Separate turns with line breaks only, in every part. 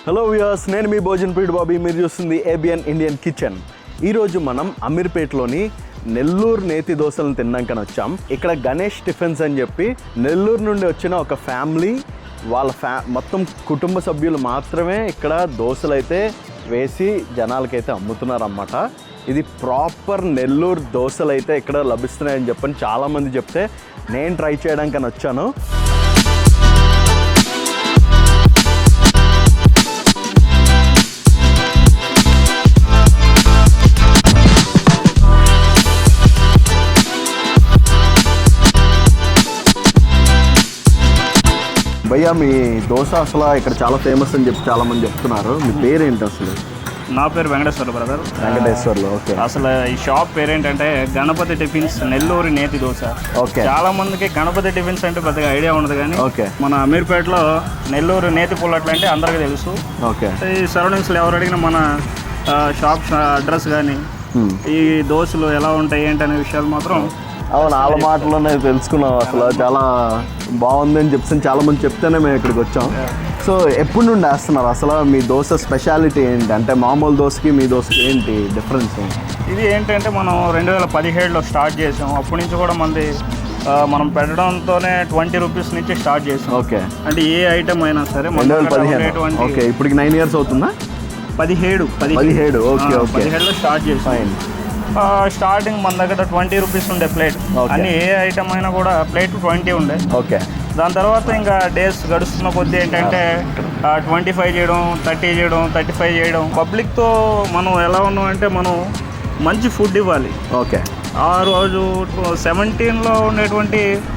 Hello viewers, నేను మీ భోజన్పీడ్ బాబీ. మీరు చూస్తుంది ఏబిఎన్ ఇండియన్ కిచెన్. ఈరోజు మనం అమీర్పేటలోని నెల్లూరు నేతి దోశలను తిన్నాకని వచ్చాం. ఇక్కడ గణేష్ టిఫిన్స్ అని చెప్పి నెల్లూరు నుండి వచ్చిన ఒక ఫ్యామిలీ వాళ్ళ మొత్తం కుటుంబ సభ్యులు మాత్రమే ఇక్కడ దోశలు అయితే వేసి జనాలకైతే అమ్ముతున్నారన్నమాట. ఇది ప్రాపర్ నెల్లూరు దోశలు అయితే ఇక్కడ లభిస్తున్నాయని చెప్పని చాలామంది చెప్తే నేను ట్రై చేయడానికని వచ్చాను. భయ్యా, మీ దోశ అసలు ఇక్కడ చాలా ఫేమస్ అని చెప్పి చాలా మంది చెప్తున్నారు. మీ పేరు ఏంటి అసలు?
నా పేరు వెంకటేశ్వర్లు బ్రదర్.
వెంకటేశ్వర్లు. ఓకే.
అసలు ఈ షాప్ పేరేంటంటే గణపతి టిఫిన్స్ నెల్లూరు నేతి దోశ.
ఓకే.
చాలా మందికి గణపతి టిఫిన్స్ అంటే పెద్దగా ఐడియా ఉండదు, కానీ
ఓకే,
మన అమీర్పేటలో నెల్లూరు నేతి పుల్లట్లు అంటే అందరికీ తెలుసు.
ఓకే.
ఈ సరౌండింగ్స్లో ఎవరు అడిగినా మన షాప్ అడ్రస్ కానీ ఈ దోశలు ఎలా ఉంటాయి ఏంటి అనే విషయాలు మాత్రం
అవును, వాళ్ళ మాటలోనే తెలుసుకున్నాం. అసలు చాలా బాగుంది అని చెప్పి చాలా మంది చెప్తేనే మేము ఇక్కడికి వచ్చాం. సో ఎప్పుడు నుండి వేస్తున్నారు అసలు? మీ దోశ స్పెషాలిటీ ఏంటి? అంటే మామూలు దోశకి మీ దోశకి ఏంటి డిఫరెన్స్?
ఇది ఏంటంటే మనం 2017లో స్టార్ట్ చేసాం. అప్పటి నుంచి కూడా మనం పెట్టడంతోనే 20 రూపీస్ నుంచి స్టార్ట్ చేసాం.
ఓకే.
అంటే ఏ ఐటమ్ అయినా సరే
2015. ఓకే, ఇప్పటికి 9 years అవుతుందా?
17.
ఓకే.
17లో స్టార్ట్ చేసాం. స్టార్టింగ్ మన దగ్గర 20 రూపీస్ ఉండే ప్లేట్. అన్ని ఏ ఐటమ్ అయినా కూడా ప్లేట్ 20 ఉండే.
ఓకే.
దాని తర్వాత ఇంకా డేస్ గడుస్తున్న కొద్దీ ఏంటంటే 25 చేయడం, 30 చేయడం, 35 చేయడం. పబ్లిక్తో మనం ఎలా ఉన్నాం అంటే మనం మంచి ఫుడ్ ఇవ్వాలి.
ఓకే.
ఆ రోజు 17లో ఉండేటువంటి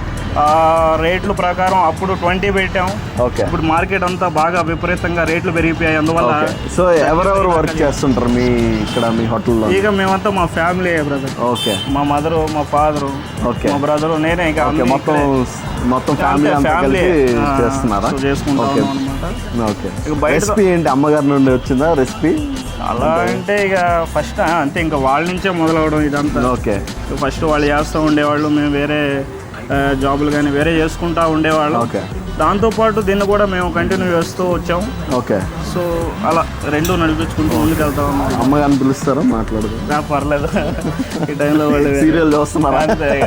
రేట్ల ప్రకారం అప్పుడు 20 పెట్టాం.
ఓకే.
ఇప్పుడు మార్కెట్ అంతా బాగా విపరీతంగా రేట్లు పెరిగిపోయాయి. అందువల్ల
సో ఎవరెవరు వర్క్ చేస్తుంటారు మీ ఇక్కడ మీ హోటల్లో?
ఇక మేమంతా మా ఫ్యామిలీ బ్రదర్.
ఓకే.
మా మదరు, మా ఫాదరు,
ఓకే,
మా బ్రదరు, నేనే. ఇక
మొత్తం ఫ్యామిలీ చేస్తున్నారా?
చేసుకుంటాం అనమాట.
ఓకే. రెసిపీ ఏంటి? అమ్మగారి నుండి వచ్చిందా రెసిపీ?
అలా అంటే ఇక ఫస్ట్ అంతే, ఇంకా వాళ్ళ నుంచే మొదలవడం ఇదంతా.
ఓకే.
ఫస్ట్ వాళ్ళు చేస్తూ ఉండేవాళ్ళు, మేము వేరే జాబులు కానీ వేరే చేసుకుంటూ ఉండేవాళ్ళం.
ఓకే.
దాంతోపాటు దీన్ని కూడా మేము కంటిన్యూ చేస్తూ వచ్చాం.
ఓకే.
సో అలా రెండు నడిపించుకుంటూ ముందుకు వెళ్తా ఉన్నాం.
అమ్మగారిని పిలుస్తారా? మాట్లాడదు?
పర్లేదు, ఈ టైంలో వాళ్ళు
సీరియల్ చూస్తున్నారా?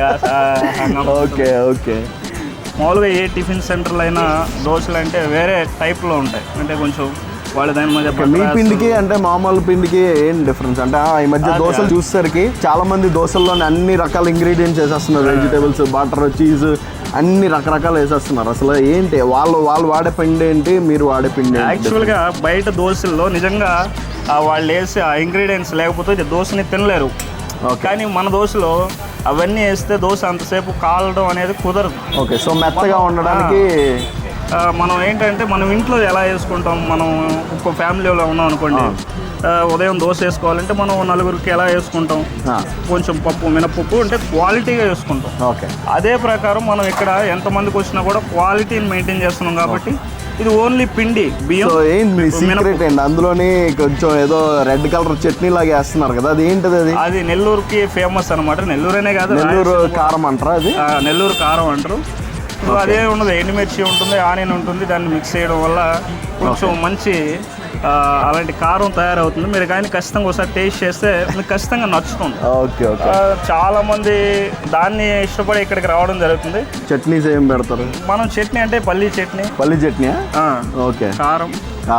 ఓకే. ఓకే.
మామూలుగా ఏ టిఫిన్ సెంటర్లు అయినా దోశలు అంటే వేరే టైప్లో ఉంటాయి. అంటే కొంచెం వాళ్ళు దాని మధ్య
మీ పిండికి అంటే మామూలు పిండికి ఏం డిఫరెన్స్? అంటే ఈ మధ్య దోశలు చూసేసరికి చాలా మంది దోశల్లోనే అన్ని రకాల ఇంగ్రీడియంట్స్ వేసేస్తున్నారు. వెజిటేబుల్స్, బటర్, చీజ్ అన్ని రకరకాలు వేసేస్తున్నారు. అసలు ఏంటి వాళ్ళు వాడే పిండి ఏంటి, మీరు వాడే పిండి?
యాక్చువల్గా బయట దోశల్లో నిజంగా వాళ్ళు వేసే ఆ ఇంగ్రీడియంట్స్ లేకపోతే దోశని తినలేరు. కానీ మన దోశలో అవన్నీ వేస్తే దోశ అంతసేపు కాలడం అనేది కుదరదు.
ఓకే. సో మెత్తగా ఉండడానికి
మనం ఏంటంటే మనం ఇంట్లో ఎలా వేసుకుంటాం, మనం ఒక ఫ్యామిలీలో ఉన్నాం అనుకోండి, ఉదయం దోశ వేసుకోవాలంటే మనం నలుగురికి ఎలా వేసుకుంటాం, కొంచెం పప్పు, మినపప్పు అంటే క్వాలిటీగా వేసుకుంటాం.
ఓకే.
అదే ప్రకారం మనం ఇక్కడ ఎంతమందికి వచ్చినా కూడా క్వాలిటీని మెయింటైన్ చేస్తున్నాం. కాబట్టి ఇది ఓన్లీ పిండి, బియ్యం.
ఏంటి సీక్రెట్ ఏంటి అందులోని? కొంచెం ఏదో రెడ్ కలర్ చట్నీ లాగా వేస్తున్నారు కదా, అది ఏంటిది?
అది నెల్లూరుకి ఫేమస్ అనమాట. నెల్లూరేనే కాదు,
నెల్లూరు కారం అంటారా? అది
నెల్లూరు కారం అంటారు. అదే ఉండదు, ఎండుమిర్చి ఉంటుంది, ఆనియన్ ఉంటుంది. దాన్ని మిక్స్ చేయడం వల్ల కొంచెం మంచి అలాంటి కారం తయారవుతుంది. మీరు కానీ ఖచ్చితంగా ఒకసారి టేస్ట్ చేస్తే మీకు ఖచ్చితంగా నచ్చుతుంది.
ఓకే. ఓకే.
చాలా మంది దాన్ని ఇష్టపడి ఇక్కడికి రావడం జరుగుతుంది.
చట్నీస్ ఏం పెడతారు?
మనం చట్నీ అంటే పల్లీ చట్నీ.
ఓకే.
కారం.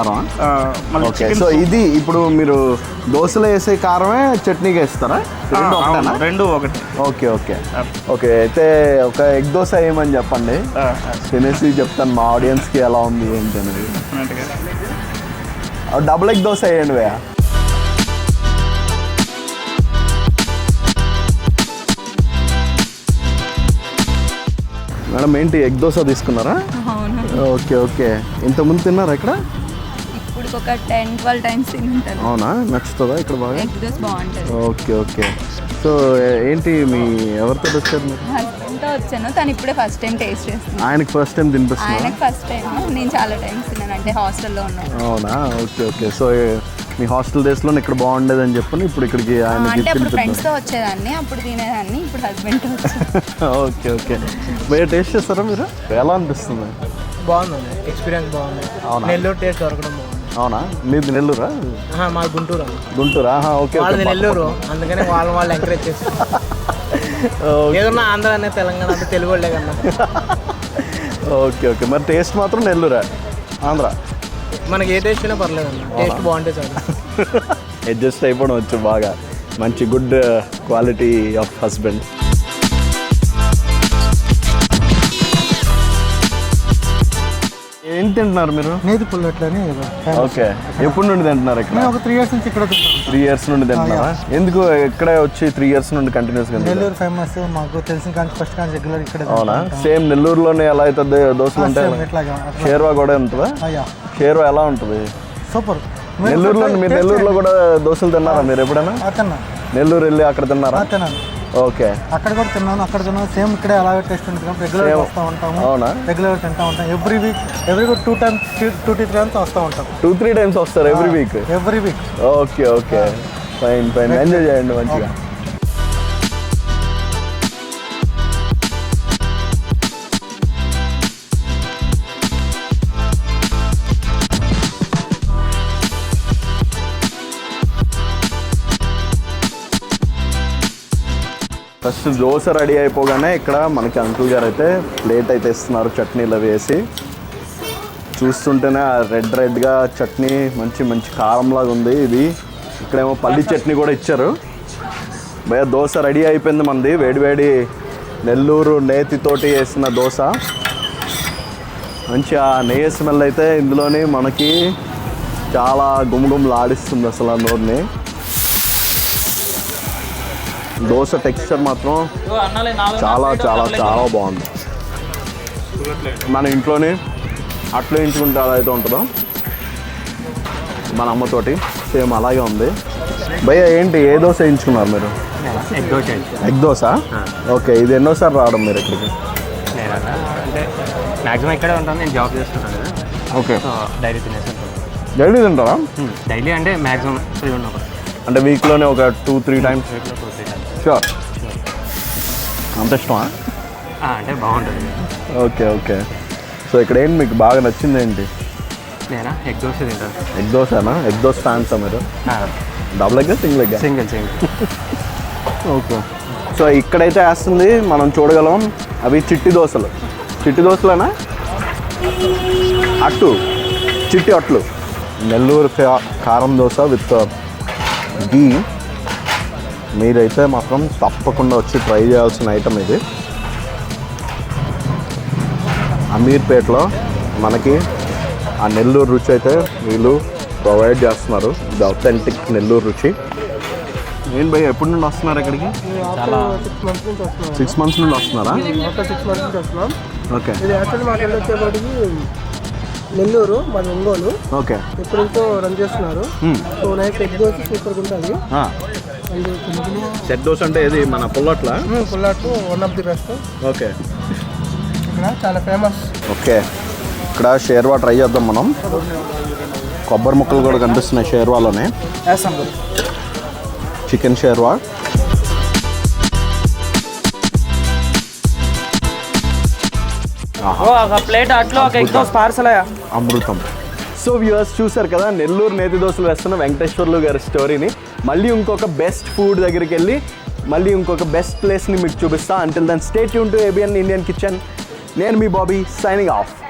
ఓకే. సో ఇది ఇప్పుడు మీరు దోశలో వేసే కారమే చట్నీకి వేస్తారా?
రెండు ఒకటి.
ఓకే. ఓకే. ఓకే. అయితే ఒక ఎగ్ దోశ వేయమని చెప్పండి, తినేసి చెప్తాను మా ఆడియన్స్కి ఎలా ఉంది ఏంటి అనేది. డబుల్ ఎగ్ దోశ వేయండి భయ్యా. మేడం ఏంటి ఎగ్ దోశ తీసుకున్నారా? ఓకే. ఓకే. ఇంతకుముందు తిన్నారా ఇక్కడ?
ఒక 10-12 టైమ్స్ తింటాను.
అవునా? నచ్చుతుందా ఇక్కడ బాగా?
ఎగ్ దోశ బాగుంటుంది.
ఓకే. ఓకే. సో ఏంటి మీ ఎవరితో వచ్చారు మీరు?
హస్బెండ్తో వచ్చాను. తను ఇప్పుడే ఫస్ట్ టైం టేస్ట్ చేస్తున్నాను.
ఆయనకి ఫస్ట్ టైం తినిపిస్తున్నా?
ఆయనకి ఫస్ట్ టైం. నేను చాలా టైమ్స్ తిన్నాను, అంటే హాస్టల్లో ఉన్నాను.
అవునా? ఓకే. ఓకే. సో మీ హాస్టల్ డేస్లో ఇక్కడ బాగుండేది అని చెప్పని ఇప్పుడు ఇక్కడికి
అంటే అప్పుడు ఫ్రెండ్స్తో వచ్చేదాన్ని, అప్పుడు తినేదాన్ని, ఇప్పుడు హస్బెండ్తో వచ్చాను.
ఓకే. ఓకే. భయ్యా టేస్ట్ చేస్తారా మీరు? ఎలా అనిపిస్తుంది?
బాగుంది, ఎక్స్పీరియన్స్ బాగుంది. నెల్లూరు టేస్ట్ దొరకడం బాగుంది.
అవునా మీది నెల్లూరా
మా గుంటూరు
గుంటూరా ఓకే
వాళ్ళది నెల్లూరు, అందుకని వాళ్ళు ఎంకరేజ్ చేస్తారు. ఏదన్నా ఆంధ్ర అనే తెలంగాణ అంటే తెలుగు వాళ్ళే కన్నా.
ఓకే ఓకే మరి టేస్ట్ మాత్రం నెల్లూరా ఆంధ్ర
మనకి ఏ టేస్ట్ అయినా పర్లేదు అన్న, టేస్ట్ బాగుంటే చాలు.
అడ్జస్ట్ అయిపోవడం వచ్చు బాగా, మంచి గుడ్ క్వాలిటీ ఆఫ్ హస్బెండ్. ఏం తింటున్నారు మీరు?
నేతి పుల్లట్లని.
ఓకే ఎప్పటి నుండి తింటున్నారు ఇక్కడ?
ఒక 3 years నుంచి ఇక్కడ తింటాం.
3 years నుండి తింటున్నారా? ఎందుకు ఇక్కడే వచ్చి 3 years నుండి కంటిన్యూస్గా?
నెల్లూరు ఫేమస్, మాకు తెలిసిన కానీ ఫస్ట్ కానీ రెగ్యులర్ ఇక్కడ.
అవునా? సేమ్ నెల్లూరులోనే ఎలా అవుతుంది దోశలు ఉంటాయి, షేర్వా కూడా ఉంటుందా? షేర్వా ఎలా ఉంటుంది?
సూపర్.
నెల్లూరులో మీరు నెల్లూరులో కూడా దోశలు తిన్నారా మీరు ఎప్పుడైనా? నెల్లూరు వెళ్ళి అక్కడ తిన్నారా? ఓకే
అక్కడ కూడా తిన్నాను, అక్కడ తిన్నాను. సేమ్ ఇక్కడే అలాగే టేస్ట్ ఉంటుంది. రెగ్యులర్ వస్తూ ఉంటాము.
అవునా?
రెగ్యులర్ తింటూ ఉంటాం. ఎవ్రీ వీక్ 2 times వస్తూ ఉంటాం.
2-3 times వస్తారు every week?
Every week.
Okay okay fine fine, enjoy చేయండి మంచిగా. ఫస్ట్ దోశ రెడీ అయిపోగానే ఇక్కడ మనకి అంకుల్ గారు అయితే ప్లేట్ అయితే ఇస్తున్నారు చట్నీలు అవి వేసి. చూస్తుంటేనే రెడ్గా చట్నీ మంచి మంచి కారంలాగా ఉంది ఇది. ఇక్కడేమో పల్లి చట్నీ కూడా ఇచ్చారు. భయ దోశ రెడీ అయిపోయింది మంది, వేడివేడి నెల్లూరు నేతితోటి వేసిన దోశ. మంచి ఆ నెయ్యి స్మెల్ అయితే ఇందులోని మనకి చాలా గుమగుమలు ఆడిస్తుంది అసలు ఆ నోరుని. దోశ టెక్స్చర్ మాత్రం చాలా చాలా చాలా బాగుంది. మన ఇంట్లోనే అట్లు వేయించుకుంటే అలా అయితే ఉంటుందో మన అమ్మతోటి సేమ్ అలాగే ఉంది. భయ్య ఏంటి ఏ దోశ వేయించుకున్నారు మీరు? ఎగ్ దోశ. ఓకే ఇది ఎన్నోసారి రావడం మీరు ఇక్కడికి?
అంటే మ్యాక్సిమం ఇక్కడే ఉంటాను, నేను జాబ్ చేస్తున్నాను కదా.
ఓకే
డైలీ తినేసి
డైలీ తింటారా?
డైలీ అంటే మ్యాక్సిమం ఫ్రీ ఉన్నప్పుడు,
అంటే వీక్లోనే ఒక 2-3 times? షూర్. అంత ఇష్టమా?
అంటే బాగుంటుంది.
Okay okay. సో ఇక్కడ ఏంటి మీకు బాగా నచ్చింది ఏంటి?
నేనా ఎగ్ దోశ తింటాను.
ఎగ్ దోశనా? ఎగ్ దోశ ఫ్యాన్సా మీరు? Double egg single egg?
Single.
Okay. So ఇక్కడైతే వేస్తుంది మనం చూడగలం అవి చిట్టి దోశలు. చిట్టి దోశలేనా? అట్టు, చిట్టి అట్లు. నెల్లూరు కారం దోశ విత్ ఘీ. మీరైతే మాత్రం తప్పకుండా వచ్చి ట్రై చేయాల్సిన ఐటమ్ ఇది. అమీర్పేటలో మనకి ఆ నెల్లూరు రుచి అయితే వీళ్ళు ప్రొవైడ్ చేస్తున్నారు. ఇది అథెంటిక్ నెల్లూరు రుచి. ఏం భయ్య ఎప్పటి నుండి వస్తున్నారు ఇక్కడికి?
చాలా
6 months నుండి వస్తున్నారా?
6 months నుంచి వస్తున్నాం.
ఓకే.
ఇది యాక్చువల్లీ మాకు వచ్చేప్పటికి నెల్లూరు, మాది ఒంగోలు.
ఓకే.
ఎప్పుడైతే రన్ చేస్తున్నారు. సో నైట్ ఎగ్ దోశ సూపర్గా ఉంటుంది.
సెట్ దోశ అంటే ఇది మన పుల్లట్లా?
పుల్లాట్ one of the best.
Okay.
ఇక్కడ చాలా ఫేమస్.
ఓకే ఇక్కడ షేర్వా ట్రై చేద్దాం మనం. కొబ్బరి ముక్కలు కూడా కనిపిస్తున్నాయి షేర్వాలోనే. చికెన్ షేర్వా.
ప్లేట్ అట్లో ఒక ఎగ్ దోశ పార్సల్
అమృతం. సో వ్యూవర్స్ చూసారు కదా నెల్లూరు నేతి దోశలు వేస్తున్న వెంకటేశ్వర్లు గారి స్టోరీని. మళ్ళీ ఇంకొక బెస్ట్ ఫుడ్ దగ్గరికి వెళ్ళి మళ్ళీ ఇంకొక బెస్ట్ ప్లేస్ని మీకు చూపిస్తా. Until then stay tuned to ABN Indian kitchen. నేను మీ బాబీ సైనింగ్ ఆఫ్.